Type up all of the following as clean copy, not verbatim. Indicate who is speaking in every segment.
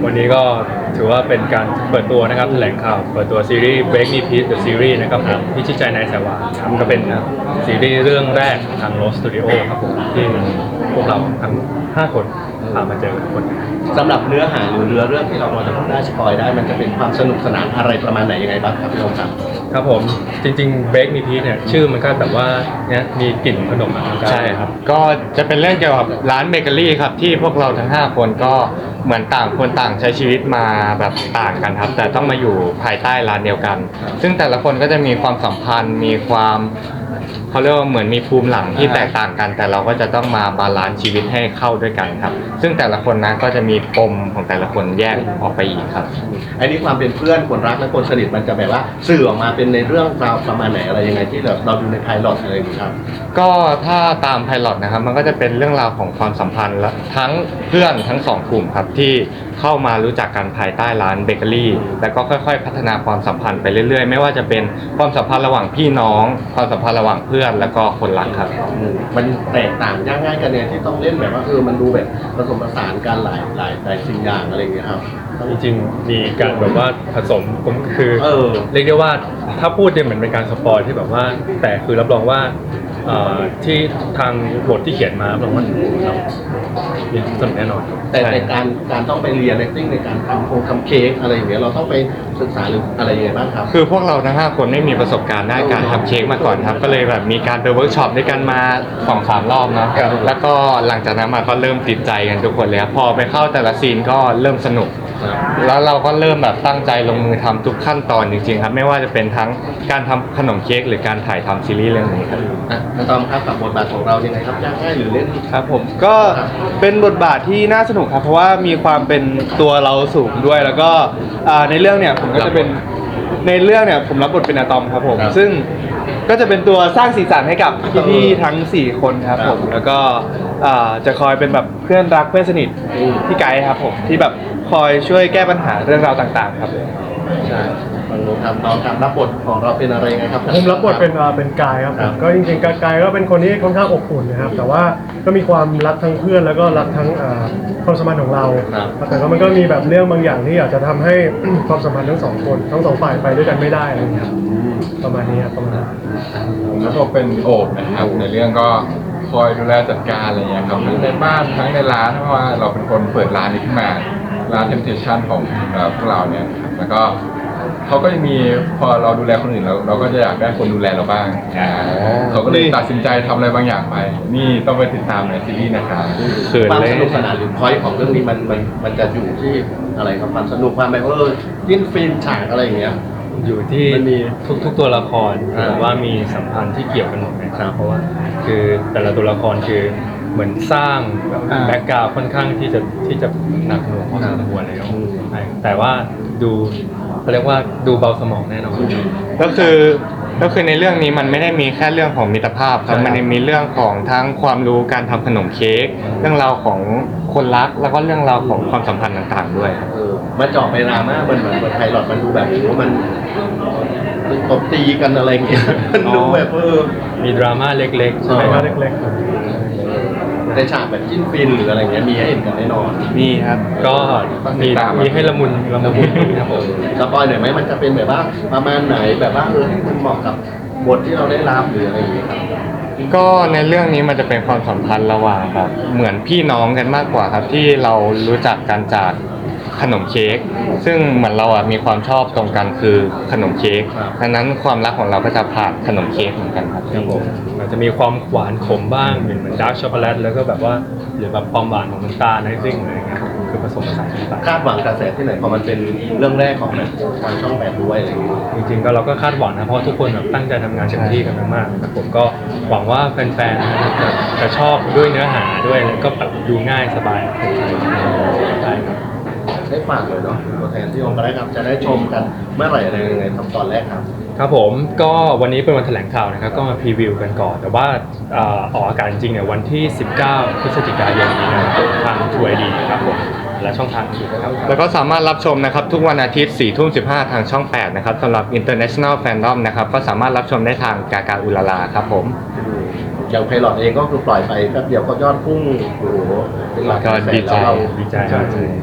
Speaker 1: วันนี้ก็ถือว่าเป็นการเปิดตัวนะครับแถลงข่าวเปิดตัวซีรีส์ Break Me Peace The Series นะครับผมพิชิตใจนายสายหวานครับก็เป็นซีรีส์เรื่องแรกของทาง Rose Studio ครับผมที่พวกเราทั้ง5คนพามาเจอทุกคน
Speaker 2: สำหรับเนื้อหาหรือเรื่องที่เราจะพูดได้สปอยได้มันจะเป็นความสนุกสนานอะไรประมาณไหนยังไงบ้างครับพี่โอมครับ
Speaker 1: ครับผมจริงๆ Break Me Peace เนี่ยชื่อมันก็แบบว่าเนี่ยมีกลิ่นขนมนะครับ
Speaker 3: ใช่ครับก็จะเป็นเรื่องเกี่ยวกับร้านเบเกอรี่ครับที่พวกเราทั้ง5คนก็เหมือนต่างคนต่างใช้ชีวิตมาแบบต่างกันครับแต่ต้องมาอยู่ภายใต้ร้านเดียวกันซึ่งแต่ละคนก็จะมีความสัมพันธ์มีความเขาเรียกว่าเหมือนมีภูมิหลังที่แตกต่างกันแต่เราก็จะต้องมาบาลานซ์ชีวิตให้เข้าด้วยกันครับซึ่งแต่ละคนนะก็จะมีปมของแต่ละคนแยกออกไปอีกครับ
Speaker 2: อันนี้ความเป็นเพื่อนคนรักและคนสนิทมันจะแบบว่าสื่อออกมาเป็นในเรื่องราวประมาณไหนอะไรยังไงที่เราดูในไพลอตอะไรอย่างเงี้ยครับ
Speaker 3: ก็ถ้าตามไพลอตนะครับมันก็จะเป็นเรื่องราวของความสัมพันธ์และทั้งเพื่อนทั้งสองกลุ่มครับที่เข้ามารู้จักกันภายใต้ร้านเบเกอรี่แล้วก็ค่อยๆพัฒนาความสัมพันธ์ไปเรื่อยๆไม่ว่าจะเป็นความสัมพันธ์ระหว่างพี่น้องความสัมพันธ์ระหว่างเพื่อนแล้วก็คนรักครับ
Speaker 2: มันแตกต่างยากง่ายกันเนี่ยที่ต้องเล่นแบบว่ามันดูแบบผสมผสานกันหลายสิ่งอย่างอะไรอย่างเงี้ยครับ
Speaker 1: จริงๆมีการแบบว่าผสมก็คือเรียกได้ว่าถ้าพูดเนี่ยเหมือนเป็นการสปอยที่แบบว่าแต่คือรับรองว่าที่ทางบทที่เขียนมารับรองว่าเรามีสนุกแน่นอน
Speaker 2: แต่ในการต้องไปเรียน acting ในการทำเค้กอะไรอย่างเงี้ยเราต้องไปศึกษาหรืออะไรยังไงบ้างครับ
Speaker 3: คือพวกเราทั้ง5คนไม่มีประสบการณ์ด้านการทำเค้กมาก่อนครับก็เลยแบบมีการไปเวิร์กช็อปด้วยกันมา 2-3 รอบนะแล้วก็หลังจากนั้นมาก็เริ่มติดใจกันทุกคนเลยครับพอไปเข้าแต่ละซีนก็เริ่มสนุกแล้วเราก็เริ่มแบบตั้งใจลงมือทำทุกขั้นตอนจริงๆครับไม่ว่าจะเป็นทั้งการทำขนมเค้กหรือการถ่ายทำซีรีส์เรื่องนี้ครับ
Speaker 2: น้องตอมครับกับบทบาทของเรายังไงครับยากง่ายหรือเล่น
Speaker 4: ครับผมก็เป็นบทบาทที่น่าสนุกครับเพราะว่ามีความเป็นตัวเราสูงด้วยแล้วก็ในเรื่องเนี่ยผมก็จะเป็นในเรื่องเนี่ยผมรับบทเป็นอะตอมครับผมซึ่งก็จะเป็นตัวสร้างสีสันให้กับพี่ๆทั้ง4คนครับผมแล้วก็จะคอยเป็นแบบเพื่อนรักเพื่อนสนิทพี่ไกด์ครับผมที่แบบคอยช่วยแก้ปัญหาเรื่องราวต่างๆครับ
Speaker 2: ใช่น้องทำรับบทของเราเป็นอะไรไงครับ
Speaker 5: ผมรับบทเป็นกายครับก็จริงๆกายก็เป็นคนที่ค่อนข้างอบอุ่นนะครับแต่ว่าก็มีความรักทั้งเพื่อนแล้วก็รักทั้งความสัมพันธ์ของเราแต่ก็มันก็มีแบบเรื่องบางอย่างที่อยากจะทำให้ ความสัมพันธ์ทั้งสองคนทั้งสองฝ่ายไปด้วยกันไม่ได้อะไรอย่างเงี้ยประมาณนี้ครับประมาณนั้น
Speaker 6: แล้วก็เป็นโอบนะครับในเรื่องก็คอยดูแลจัดการอะไรอย่างเงี้ยครับทั้งในบ้านทั้งในร้านเพราะว่าเราเป็นคนเปิดร้านนี้ขึ้นมาร้าน Temptation ของพวกเราเนี่ยแล้วก็เขาก็จะมีพอเราดูแลคนอื่นเราก็จะอยากได้คนดูแลเราบ้างเขาก็เลยตัดสินใจทำอะไรบางอย่างไปนี่ต้องไปติดตามในซีรีส์นะครับ
Speaker 2: ความสนุกสนานหรือพอยต์ของเรื่องนี้มันจะอยู่ที่อะไรครับความสนุกความแบบจิ้นฟินฉากอะไรอย่างเงี้ย
Speaker 1: อยู่ที่ทุกตัวละครแต่ว่ามีสัมพันธ์ที่เกี่ยวกันหมดนะครับเพราะว่าคือแต่ละตัวละครคือเหมือนสร้างแบ็กกราวด์ค่อนข้างที่จะหนักหน่วงพอสมควรเลยแต่ว่าดูเขาเรียกว่าดูเบาสมองแน่นอน
Speaker 3: ก็คือในเรื่องนี้มันไม่ได้มีแค่เรื่องของมิตรภาพครับมันมีเรื่องของทั้งความรู้การทำขนมเค้กเรื่องราวของคนรักแล้วก็เรื่องราวของความสัมพันธ์ต่างๆด้วย
Speaker 2: มาเจาะไปดราม่ามันเหมือนไพลอตมันดูแบบว่ามันตบตีกันอะไรเงี้ยมันดูแบบ
Speaker 1: มีดราม่าเล็กๆใช่ไหมครับ
Speaker 5: เล็กๆ
Speaker 2: ในฉากแบบจิ้นฟินหรืออะไรเงี้ยมีให้เห็นกันแน่นอน
Speaker 4: มีครับ
Speaker 1: ก็มีให้ละมุนครับผม
Speaker 2: สปอยหน่อยไหมมันจะเป็นแบบว่าประมาณไหนแบบว่าให้มันเหมาะกับบทที่เราได้รับหรืออะไรอย่างเงี้ยครับ
Speaker 3: ก็ในเรื่องนี้มันจะเป็นความสัมพันธ์ระหว่างแบบเหมือนพี่น้องกันมากกว่าครับที่เรารู้จักกันจากขนมเค้กซึ่งเหมือนเรามีความชอบตรงกันคือขนมเค้กดังนั้นความรักของเราก็จะผ่านขนมเค้กเหมือนกันครับ
Speaker 1: ผมอาจจะมีความหวานขมบ้างเหมือนดาร์กช็อกโกแลตแล้วก็แบบว่าหรือแบบความหวานของน้ำตาลไอซิ่งอะไรเงี้ยคือผสมผสานต่าง
Speaker 2: คาดหวังกระแสที่ไหนพอมันเป็นเรื่องแรกของทางช่อง8ด้วยอะไรอย่างเงี้ย
Speaker 1: จริงๆก็เราก็คาดหวังนะเพราะทุกคนแบบตั้งใจทำงานเต็มที่กันมากๆผมก็หวังว่าแฟนๆจะชอบด้วยเนื้อหาด้วยแล้วก็แบบดูง่ายสบายใช่ครับ
Speaker 2: ได้ฝากเลยเนาะตัวแทนที่องค์ก็ได้ครับจะได้ชมกันเมื่อไหร่อะไรยังไงทำตอนแรกครับ
Speaker 1: ครับผมก็วันนี้เป็นวันแถลงข่าวนะครับก็มาพรีวิวกันก่อนแต่ว่าออกอากาศจริงเนี่ยวันที่19พฤศจิกายนนี้นะครับทาง True ID ครับผมและช่องทางอื่นนะครับ
Speaker 3: แล้วก็สามารถรับชมนะครับทุกวันอาทิตย์ 4:15 ทางช่อง8นะครับสำหรับ International Fandom นะครับก็สามารถรับชมได้ทางกากาอุลาลาครับผม
Speaker 2: อย่างไพลอตเองก็คือปล่อยไปแป๊บเดียวก็ยอดพุ่งโอ้โหเป็นหลักแสนแล้วเรา
Speaker 1: ดีใจ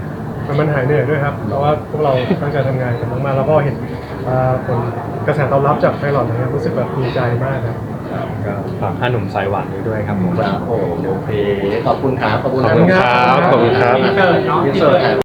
Speaker 5: มันหายเหนื่อยด้วยครับเพราะว่าพวกเราตั้งใจทำงานกันมากๆแล้วก็เห็นผลกระแสตอบรับจากไพลอตนะครับรู้สึกแบบดีใจมากครับ
Speaker 1: ก็ฝากห้าหนุ่มสายหวานด้วยครับผม
Speaker 2: ครับโอเคขอบคุณครับขอบคุณ
Speaker 3: ขอบคุณครับขอบคุณครับ
Speaker 2: อินเสิร์ต